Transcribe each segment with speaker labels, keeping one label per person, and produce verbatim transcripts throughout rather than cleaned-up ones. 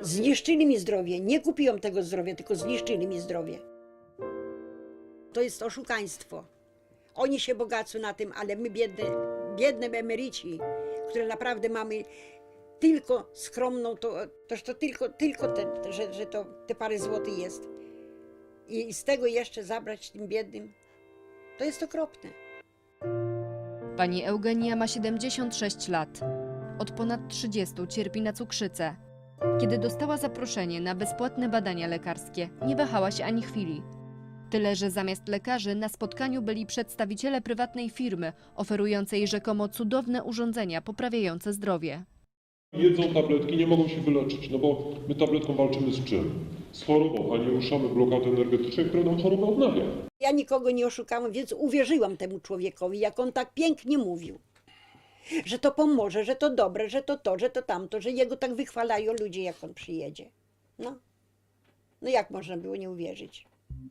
Speaker 1: Zniszczyli mi zdrowie. Nie kupiłam tego zdrowia, tylko zniszczyli mi zdrowie. To jest oszukaństwo. Oni się bogacą na tym, ale my biedne, biedne emeryci, które naprawdę mamy tylko skromną, to, toż to tylko, tylko te, że, że to te parę złotych jest. I, I z tego jeszcze zabrać tym biednym, to jest okropne.
Speaker 2: Pani Eugenia ma siedemdziesiąt sześć lat. Od ponad trzydziestu cierpi na cukrzycę. Kiedy dostała zaproszenie na bezpłatne badania lekarskie, nie wahała się ani chwili. Tyle, że zamiast lekarzy na spotkaniu byli przedstawiciele prywatnej firmy, oferującej rzekomo cudowne urządzenia poprawiające zdrowie.
Speaker 3: Jedzą tabletki, nie mogą się wyleczyć, no bo my tabletką walczymy z czym? Z chorobą, a nie ruszamy blokady energetycznej, która nam chorobę odnawia.
Speaker 1: Ja nikogo nie oszukałam, więc uwierzyłam temu człowiekowi, jak on tak pięknie mówił. Że to pomoże, że to dobre, że to to, że to tamto, że jego tak wychwalają ludzie, jak on przyjedzie. No, no jak można było nie uwierzyć?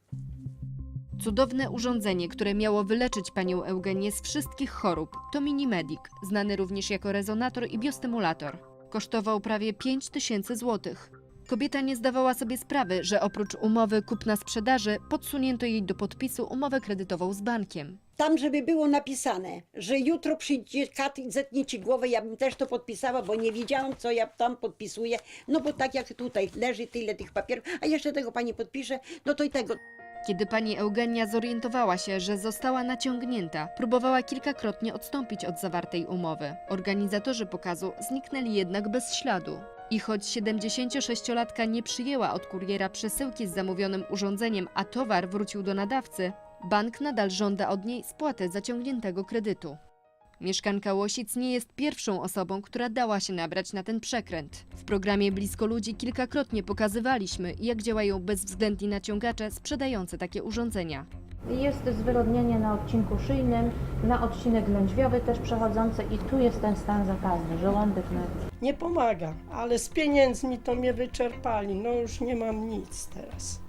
Speaker 2: Cudowne urządzenie, które miało wyleczyć panią Eugenię z wszystkich chorób, to Minimedic, znany również jako rezonator i biostymulator. Kosztował prawie pięć tysięcy złotych. Kobieta nie zdawała sobie sprawy, że oprócz umowy kupna-sprzedaży podsunięto jej do podpisu umowę kredytową z bankiem.
Speaker 1: Tam, żeby było napisane, że jutro przyjdzie kat i zetnie ci głowę, ja bym też to podpisała, bo nie wiedziałam, co ja tam podpisuję. No bo tak jak tutaj leży tyle tych papierów, a jeszcze tego pani podpisze, no to i tego.
Speaker 2: Kiedy pani Eugenia zorientowała się, że została naciągnięta, próbowała kilkakrotnie odstąpić od zawartej umowy. Organizatorzy pokazu zniknęli jednak bez śladu. I choć siedemdziesięciosześciolatka nie przyjęła od kuriera przesyłki z zamówionym urządzeniem, a towar wrócił do nadawcy, bank nadal żąda od niej spłaty zaciągniętego kredytu. Mieszkanka Łosic nie jest pierwszą osobą, która dała się nabrać na ten przekręt. W programie Blisko Ludzi kilkakrotnie pokazywaliśmy, jak działają bezwzględni naciągacze sprzedający takie urządzenia.
Speaker 4: Jest zwyrodnienie na odcinku szyjnym, na odcinek lędźwiowy też przechodzący i tu jest ten stan zakaźny, żołądek nerw.
Speaker 5: Nie pomaga, ale z pieniędzmi to mnie wyczerpali, no już nie mam nic teraz.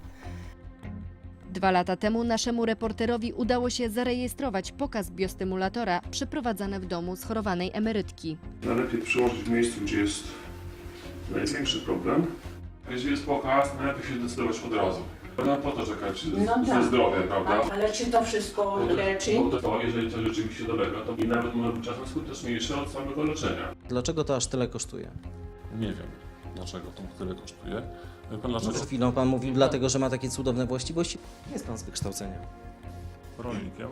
Speaker 2: Dwa lata temu naszemu reporterowi udało się zarejestrować pokaz biostymulatora przeprowadzany w domu schorowanej emerytki.
Speaker 6: Najlepiej przyłożyć w miejscu, gdzie jest największy problem. Jeśli jest pokaz, najlepiej się zdecydować od razu. No po to czekać
Speaker 7: No
Speaker 6: ze
Speaker 7: tak.
Speaker 6: zdrowia, prawda?
Speaker 7: Ale czy to wszystko
Speaker 6: Bo to,
Speaker 7: leczy?
Speaker 6: bo to, jeżeli coś rzeczywiście dolega, to i nawet może być czasem skuteczniejsze od samego leczenia.
Speaker 8: Dlaczego to aż tyle kosztuje?
Speaker 3: Nie wiem, dlaczego to tyle kosztuje. Wie pan
Speaker 8: No,
Speaker 3: dlaczego?
Speaker 8: przed chwilą pan mówił dlatego, że ma takie cudowne właściwości. Jest pan z wykształcenia.
Speaker 3: Rolnikiem.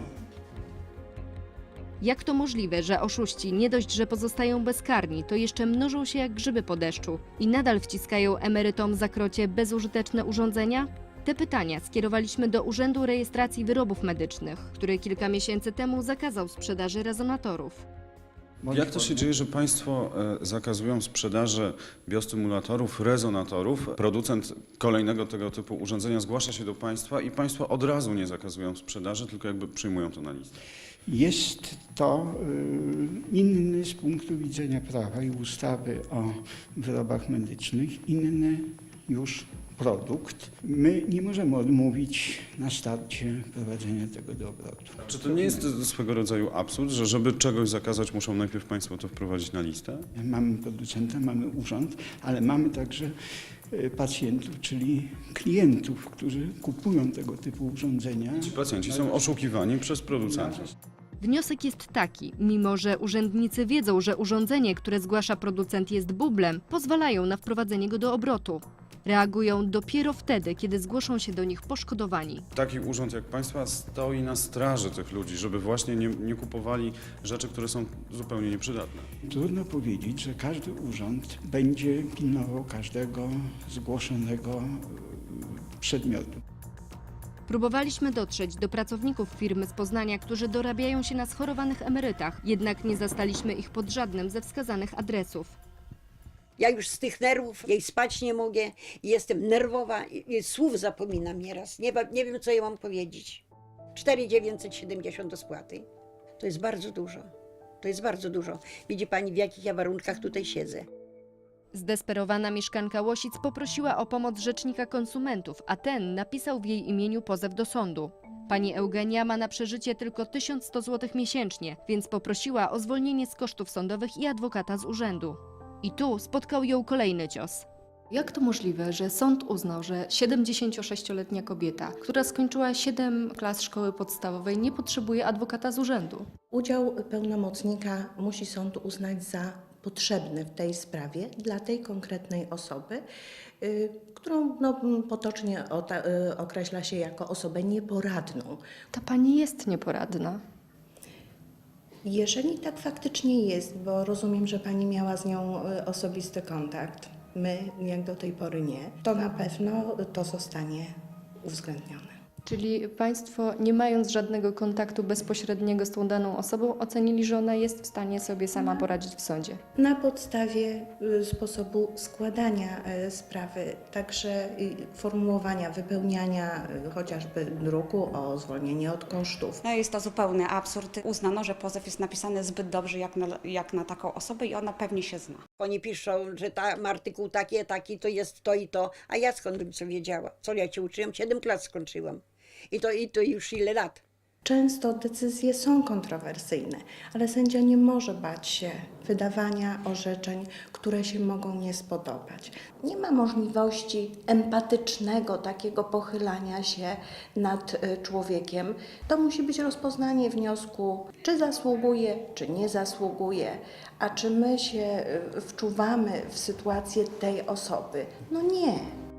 Speaker 2: Jak to możliwe, że oszuści nie dość, że pozostają bezkarni, to jeszcze mnożą się jak grzyby po deszczu i nadal wciskają emerytom za krocie bezużyteczne urządzenia? Te pytania skierowaliśmy do Urzędu Rejestracji Wyrobów Medycznych, który kilka miesięcy temu zakazał sprzedaży rezonatorów.
Speaker 9: Jak to się dzieje, że państwo e, zakazują sprzedaży biostymulatorów, rezonatorów? Producent kolejnego tego typu urządzenia zgłasza się do państwa i państwo od razu nie zakazują sprzedaży, tylko jakby przyjmują to na listę.
Speaker 10: Jest to y, inny z punktu widzenia prawa i ustawy o wyrobach medycznych, inny już produkt. My nie możemy odmówić na starcie prowadzenia tego do obrotu.
Speaker 9: Czy to nie jest swego rodzaju absurd, że żeby czegoś zakazać, muszą najpierw państwo to wprowadzić na listę?
Speaker 10: Mamy producenta, mamy urząd, ale mamy także y, pacjentów, czyli klientów, którzy kupują tego typu urządzenia.
Speaker 9: Ci pacjenci są oszukiwani przez producentów.
Speaker 2: Wniosek jest taki, mimo że urzędnicy wiedzą, że urządzenie, które zgłasza producent jest bublem, pozwalają na wprowadzenie go do obrotu. Reagują dopiero wtedy, kiedy zgłoszą się do nich poszkodowani.
Speaker 9: Taki urząd jak państwa stoi na straży tych ludzi, żeby właśnie nie, nie kupowali rzeczy, które są zupełnie nieprzydatne.
Speaker 10: Trudno powiedzieć, że każdy urząd będzie pilnował każdego zgłoszonego y, przedmiotu.
Speaker 2: Próbowaliśmy dotrzeć do pracowników firmy z Poznania, którzy dorabiają się na schorowanych emerytach, jednak nie zastaliśmy ich pod żadnym ze wskazanych adresów.
Speaker 1: Ja już z tych nerwów, jej spać nie mogę, jestem nerwowa, i, i słów zapominam nieraz. Nie, nie wiem, co ja mam powiedzieć. cztery tysiące dziewięćset siedemdziesiąt do spłaty. To jest bardzo dużo. To jest bardzo dużo. Widzi pani, w jakich ja warunkach tutaj siedzę.
Speaker 2: Zdesperowana mieszkanka Łosic poprosiła o pomoc rzecznika konsumentów, a ten napisał w jej imieniu pozew do sądu. Pani Eugenia ma na przeżycie tylko tysiąc sto złotych miesięcznie, więc poprosiła o zwolnienie z kosztów sądowych i adwokata z urzędu. I tu spotkał ją kolejny cios.
Speaker 7: Jak to możliwe, że sąd uznał, że siedemdziesięciosześcioletnia kobieta, która skończyła siedem klas szkoły podstawowej, nie potrzebuje adwokata z urzędu?
Speaker 11: Udział pełnomocnika musi sąd uznać za potrzebny w tej sprawie dla tej konkretnej osoby, y, którą no, potocznie ota, y, określa się jako osobę nieporadną.
Speaker 7: Ta pani jest nieporadna.
Speaker 11: Jeżeli tak faktycznie jest, bo rozumiem, że pani miała z nią y, osobisty kontakt, my jak do tej pory nie, to na pewno to zostanie uwzględnione.
Speaker 7: Czyli państwo, nie mając żadnego kontaktu bezpośredniego z tą daną osobą, ocenili, że ona jest w stanie sobie sama poradzić w sądzie.
Speaker 11: Na podstawie y, sposobu składania y, sprawy, także y, formułowania, wypełniania y, chociażby druku o zwolnienie od kosztów.
Speaker 12: No jest to zupełny absurd. Uznano, że pozew jest napisany zbyt dobrze jak na, jak na taką osobę i ona pewnie się zna.
Speaker 1: Oni piszą, że tam artykuł taki, taki, to jest to i to, a ja skąd bym co wiedziała? Co ja cię uczyłam? Siedem klas skończyłam. I to, i to już ile lat?
Speaker 11: Często decyzje są kontrowersyjne, ale sędzia nie może bać się wydawania orzeczeń, które się mogą nie spodobać. Nie ma możliwości empatycznego takiego pochylania się nad y, człowiekiem. To musi być rozpoznanie wniosku, czy zasługuje, czy nie zasługuje, a czy my się y, wczuwamy w sytuację tej osoby. No nie.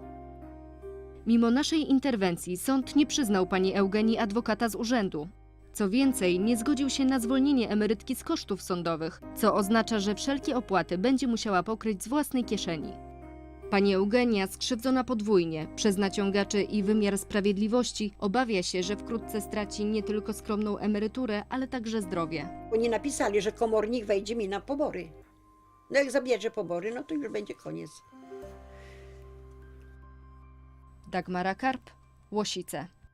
Speaker 2: Mimo naszej interwencji sąd nie przyznał pani Eugenii adwokata z urzędu. Co więcej, nie zgodził się na zwolnienie emerytki z kosztów sądowych, co oznacza, że wszelkie opłaty będzie musiała pokryć z własnej kieszeni. Pani Eugenia, skrzywdzona podwójnie przez naciągaczy i wymiar sprawiedliwości, obawia się, że wkrótce straci nie tylko skromną emeryturę, ale także zdrowie.
Speaker 1: Oni napisali, że komornik wejdzie mi na pobory. No jak zabierze pobory, no to już będzie koniec.
Speaker 2: Dagmara Karp, Łosice.